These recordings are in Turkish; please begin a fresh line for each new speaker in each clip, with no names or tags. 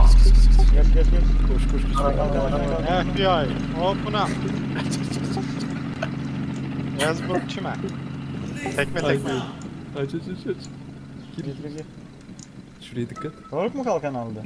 Geç geç geç.
Koş koş koş.
FBI, open up. Yazbur kime? Tekme tekme.
Aç aç aç aç.
Gir gir gir.
Şuraya dikkat.
Doruk mu kalkan aldı?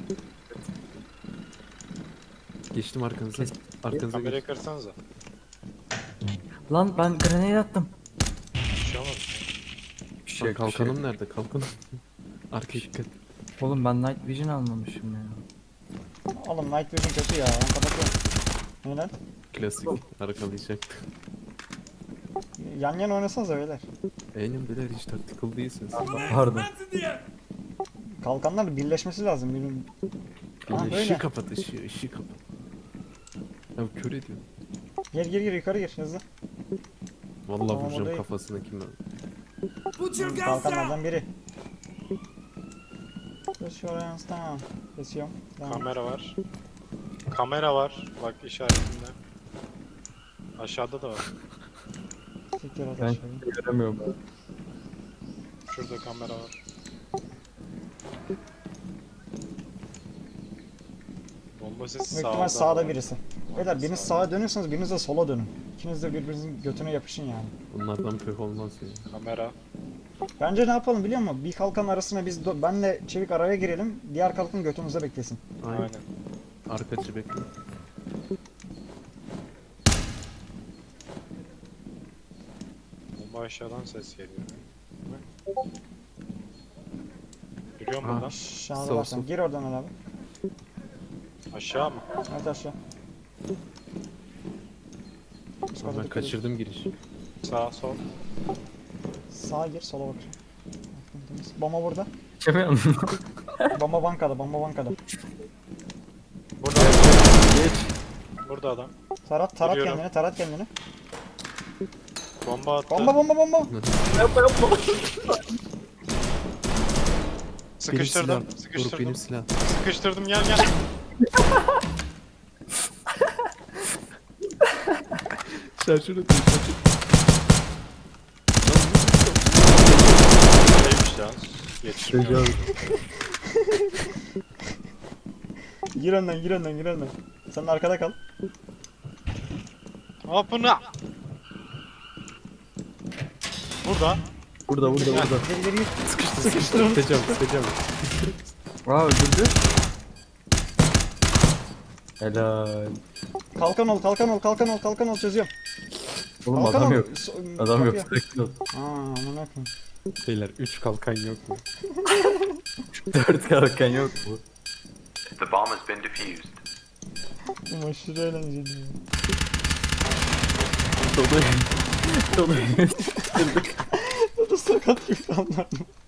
Geçtim arkanıza. Arkanıza
Kamerayı
geç.
kırsanıza.
Lan ben grenade attım.
Bir şey olmaz.
Lan kalkanım nerede? Kalkanım. Arkaya dikkat.
Oğlum ben night vision almamışım ya.
Oğlum night vision kötü ya. Ben kapatıyorum. Ne lan?
Klasik. Arkalayacaktı.
Yan yana oynasanıza beyler.
Benim beyler hiç tactical değilsiniz.
Pardon.
Kalkanlar birleşmesi lazım. Birbirinin... Ha,
Bir de
böyle.
ışığı kapat ışığı kapat. Ya kör ediyor.
Gir gir gir yukarı gir hızlı.
Vallahi
Tamam,
vuracağım
odayı-
kafasına kim ben.
Kalkanlardan biri. Şuraya tamam. Kesiyorum. Tamam.
Kamera var. Kamera var. Bak işaretinde. Aşağıda da var.
Siktir at
Ben
aşağıya.
göremiyorum.
Şurada kamera var. Bomba sesi
Büyük
sağda.
ihtimal sağda
var.
birisi. Beyler biriniz sağa dönüyorsanız biriniz de sola dönün. İkiniz de birbirinizin götüne yapışın yani.
Bunlardan pek olmaz ya.
Kamera.
Bence ne yapalım biliyor musun? Bir kalkan arasına biz benle Çevik araya girelim. Diğer kalkan götümüze beklesin.
Aynen.
Aynen.
Arkacı bekle.
Bomba aşağıdan ses geliyor. Görüyor musun
Ha.
buradan?
Aşağıda
Sol,
varsan.
sol.
Gir oradan abi.
Aşağı mı?
Evet aşağı. Üst kata
Ben
dikkat et.
kaçırdım girişi.
Sağ, sol.
Sağa gir sola bak. Bomba burada.
Geçemiyorum.
Bomba bankada, bomba bankada.
Burada.
Geç.
Burada adam.
Tarat
Giriyorum.
kendini, tarat kendini.
Bomba attı.
Bomba bomba bomba.
Sıkıştırdım.
Benim silah. Doruk
Sıkıştırdım.
benim silah.
Sıkıştırdım. Gel gel.
Şarjör atıyor şarjör.
Neymiş ya? Yetişmiyor.
Gir önden, gir önden, gir önden. Sen arkada kal.
Open up. Burada.
Burada burada burada.
Geri geri gir.
Sıkıştır onu. Sıkacağım.
Aa öldürdü. Helal.
Kalkan ol, kalkan ol, kalkan ol, kalkan ol çözüyorum.
Oğlum
Kalkan
adam
ol.
yok. Adam yok.
Kapıya.
Sakin ol.
Aa, amına koyayım.
Beyler 3 kalkan yok mu?
4 kalkan yok mu?
The bomb has been defused.
Bu aşırı eğlenceli ya.
Dolu. Dolu.
Bu da sakat bir anlar.